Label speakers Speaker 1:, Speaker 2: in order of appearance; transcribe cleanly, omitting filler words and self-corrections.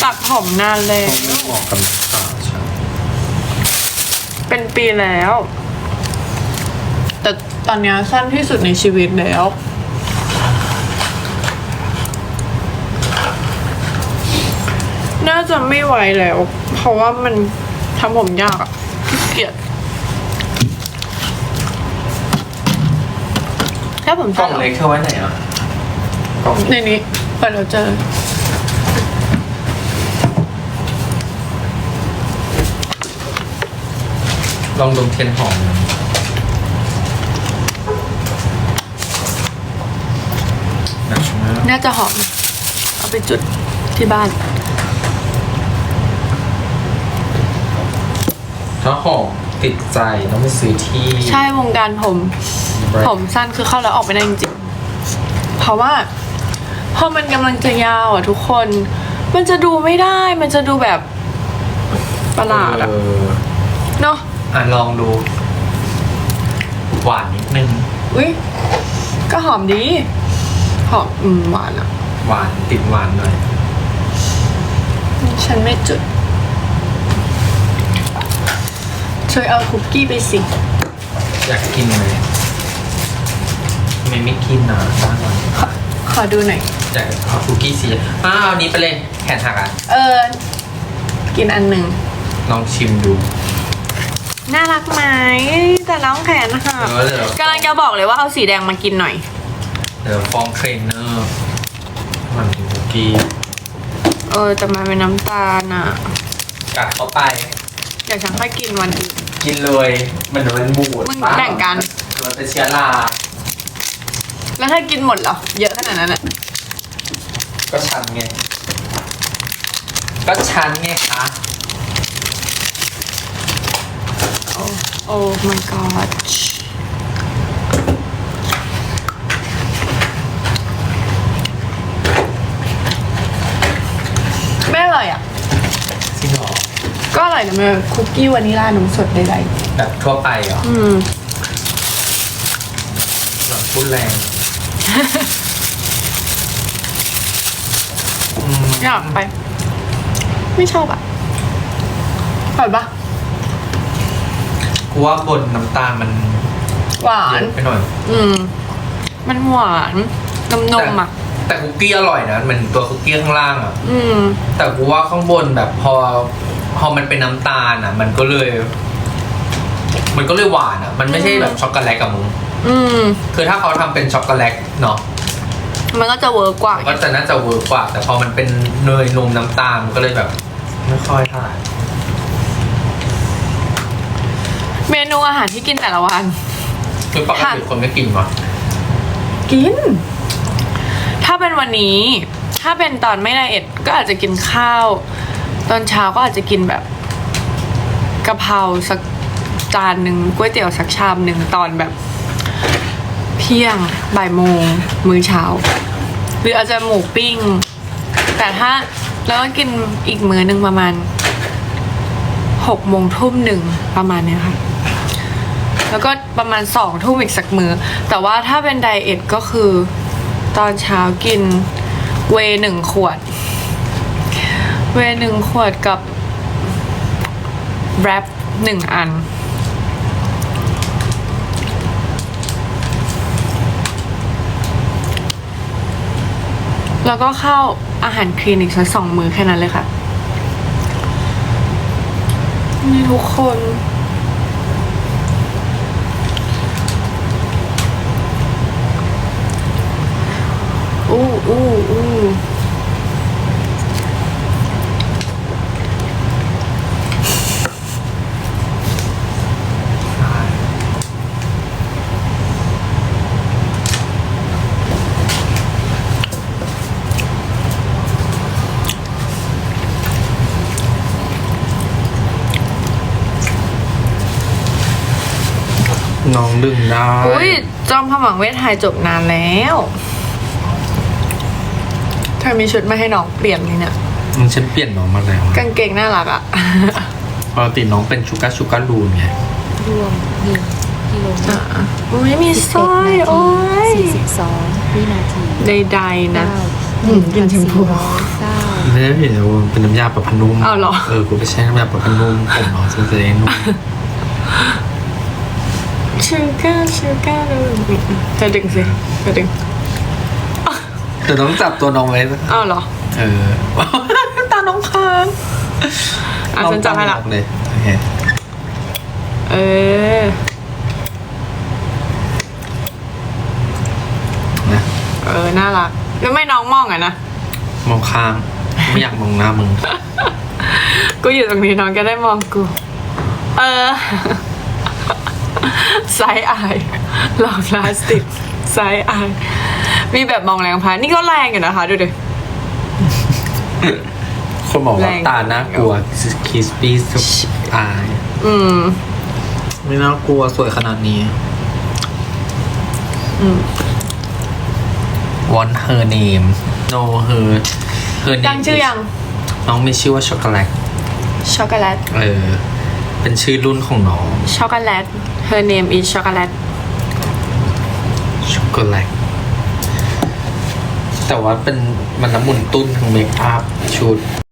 Speaker 1: ตัดผมนานแล้ว
Speaker 2: ต้องเหมาะกับขาใช่
Speaker 1: เป็นปีแล้ว แต่ตอนนี้สั้นที่สุดในชีวิตแล้วน่าจะไม่ไหวแล้ว เพราะว่ามันทำผมยากอะขี้เกียจถ้าผม
Speaker 2: กล่
Speaker 1: สั้
Speaker 2: อน งเล็กเธอไว้ไหนอ่ะกล่อง
Speaker 1: ในนี้ไปเราเจอ
Speaker 2: ลองดมเทียนหอมนะหนักมาก
Speaker 1: น่าจะหอม เอาไปจุดที่บ้าน
Speaker 2: ถ้าหอมติดใจต้องไปซื้อที่
Speaker 1: ใช่วงการผม
Speaker 2: แบรนด์
Speaker 1: ผมสั้นคือเข้าแล้วออกไม่ได้จริงๆ เพราะว่าพอมันกำลังจะยาวอ่ะทุกคน มันจะดูไม่ได้ มันจะดูแบบประหลาดอ่ะ เนาะ
Speaker 2: ลองดู หวานนิดนึง
Speaker 1: อุ้ยก็หอมดี หอมหวานอ่ะ
Speaker 2: หวานติดหวานหน่อย
Speaker 1: ฉันไม่จุด ช่วยเอาคุกกี้ไปสิ
Speaker 2: อยากกินไหมทำไมไม่กินนะบ้านเรา
Speaker 1: ขอดูหน่อย
Speaker 2: อยากเอาคุกกี้สีเอานี้ไปเลยแขนหักอ่ะ
Speaker 1: กินอันหนึ่ง
Speaker 2: ลองชิมดู
Speaker 1: น่ารักไหมแต่น้องแขนนะคะ
Speaker 2: เดี๋ยว
Speaker 1: กำลังจะบอกเลยว่าเอาสีแดงมากินหน่อย
Speaker 2: เดี๋ยวฟ้องเทรนเนอร์มันกินคุกกี้
Speaker 1: แต่มันเป็นน้ำตาลอ่ะ
Speaker 2: กัดเข้าไป
Speaker 1: เดี๋ยวฉันค่อยกินวันอื่น
Speaker 2: กินเลยมันบูด
Speaker 1: มึงแบ่งกัน
Speaker 2: มันเป็นเชื้อรา
Speaker 1: แล้วถ้ากินหมดเหรอ เยอะขนาดนั้นอ่ะ
Speaker 2: ก็ชันไง ก็ชันไงคะ
Speaker 1: โอ้ my god ไม่อร่อยอ่ะ
Speaker 2: จริงเหรอ
Speaker 1: ก็อร่อยนะแม่คุกกี้วานิลลานมสดใด
Speaker 2: แบบทั่วไปเหรอ
Speaker 1: ๆ
Speaker 2: แบบพูดแรง
Speaker 1: อยากไป ไม่ชอบอ่ะอร่อยปะ
Speaker 2: กูว่าบนน้ำตาลมัน
Speaker 1: หวา
Speaker 2: เย
Speaker 1: น
Speaker 2: อะไปหน่อย
Speaker 1: มันหวานนมๆอ่ะ
Speaker 2: แต่คุกกี้อร่อยนะมันตัวคุกกี้ข้างล่างอ่ะ
Speaker 1: ม
Speaker 2: แต่กูว่าข้างบนแบบพอมันเป็นน้ำตาลอ่ะ มันก็เลยหวานอ่ะ มันไม่ใช่แบบช็อกโกแลตกับมึง คือถ้าเขาทำเป็นช็อกโกแลตเนาะ
Speaker 1: มันก็จะเวิร์กกว่า
Speaker 2: ก็จะน่าจะเวิร์กกว่า แต่พอมันเป็นเนยนมน้ำตาลมันก็เลยแบบ ไม่ค่อยเท่าไหร่
Speaker 1: เมนูอาหารที่กินแต่ละวัน
Speaker 2: คือปกติคนไม่กินวะ
Speaker 1: กิน ถ้าเป็นวันนี้ ถ้าเป็นตอนไม่ไดเอทก็อาจจะกินข้าว ตอนเช้าก็อาจจะกินแบบกะเพราสักจานหนึ่งก๋วยเตี๋ยวสักชามหนึ่งตอนแบบเที่ยงบ่ายโมงมื้อเช้า หรืออาจจะหมูปิ้ง แต่ถ้าแล้วก็กินอีกมื้อหนึ่งประมาณ6 โมงทุ่มหนึ่งประมาณเนี้ยค่ะ แล้วก็ประมาณ2 ทุ่มอีกสักมื้อ แต่ว่าถ้าเป็นไดเอทก็คือตอนเช้ากินเวย์1 ขวด เวย์1 ขวดกับแรป1 อัน แล้วก็ข้าวอาหารคลีนอีกสัก2 มื้อแค่นั้นเลยค่ะ นี่ทุกคนอู้
Speaker 2: น้องดึงได้
Speaker 1: อุ้ยจอมขมังเวทไทยจบนานแล้วเธอมีชุดมาให้น้องเปลี่ยนเลยเนี่ย
Speaker 2: ฉันเปลี่ยนน้องมาแล้ว
Speaker 1: กางเกงน่ารักอ่ะ
Speaker 2: ปกติน้องเป็นชูการ์ลูนไง
Speaker 3: รวม1กิโลเมตร
Speaker 1: อุ้ยมีสร้อยโอ้ย
Speaker 3: 42 วินาที
Speaker 1: ใดๆนะ
Speaker 3: 9
Speaker 1: กินชมพู
Speaker 3: 1,409
Speaker 2: ไม่ได้ผิดนะเป็นน้ำยาปรับผ้านุ่ม
Speaker 1: อ้าวเหรอ
Speaker 2: กูไปใช้น้ำยาปรับผ้านุ่มผมเนาะจะได้นุ่ม
Speaker 1: ชูการ์เธอดึงสิเธอดึง
Speaker 2: แต่ต้องจับตัวน้องไว้
Speaker 1: อ้าวเหรอ ตาน้องค้างฉันจับให้ละ
Speaker 2: เลยโอเค นะ
Speaker 1: น่ารักแล้วไม่น้องมองอ่ะนะ
Speaker 2: มองข้างไม่อยากมองหน้ามึง
Speaker 1: กูอยู่ตรงนี้น้องก็ได้มองกู ไซส์อายหลอกพลาสติกไซส์อายมีแบบมองแรงพานี่ก็แรงอยู่นะคะดูดิ
Speaker 2: คนบอกว่า
Speaker 1: แรง
Speaker 2: ตาน่ากลัวคิสปี้สุดอาย ไม่น่ากลัวสวยขนาดนี้ Want her name No her name
Speaker 1: ตั้งชื่อยัง
Speaker 2: น้องมีชื่อว่าช็อกโกแลต
Speaker 1: ช็อกโกแลต
Speaker 2: เป็นชื่อรุ่นของน้อง
Speaker 1: ช็อกโกแลต her name is ช็อกโกแลต
Speaker 2: ช็อกโกแลตแต่ว่ามันน้ำมันตุ้นทั้งเมคอัพชุด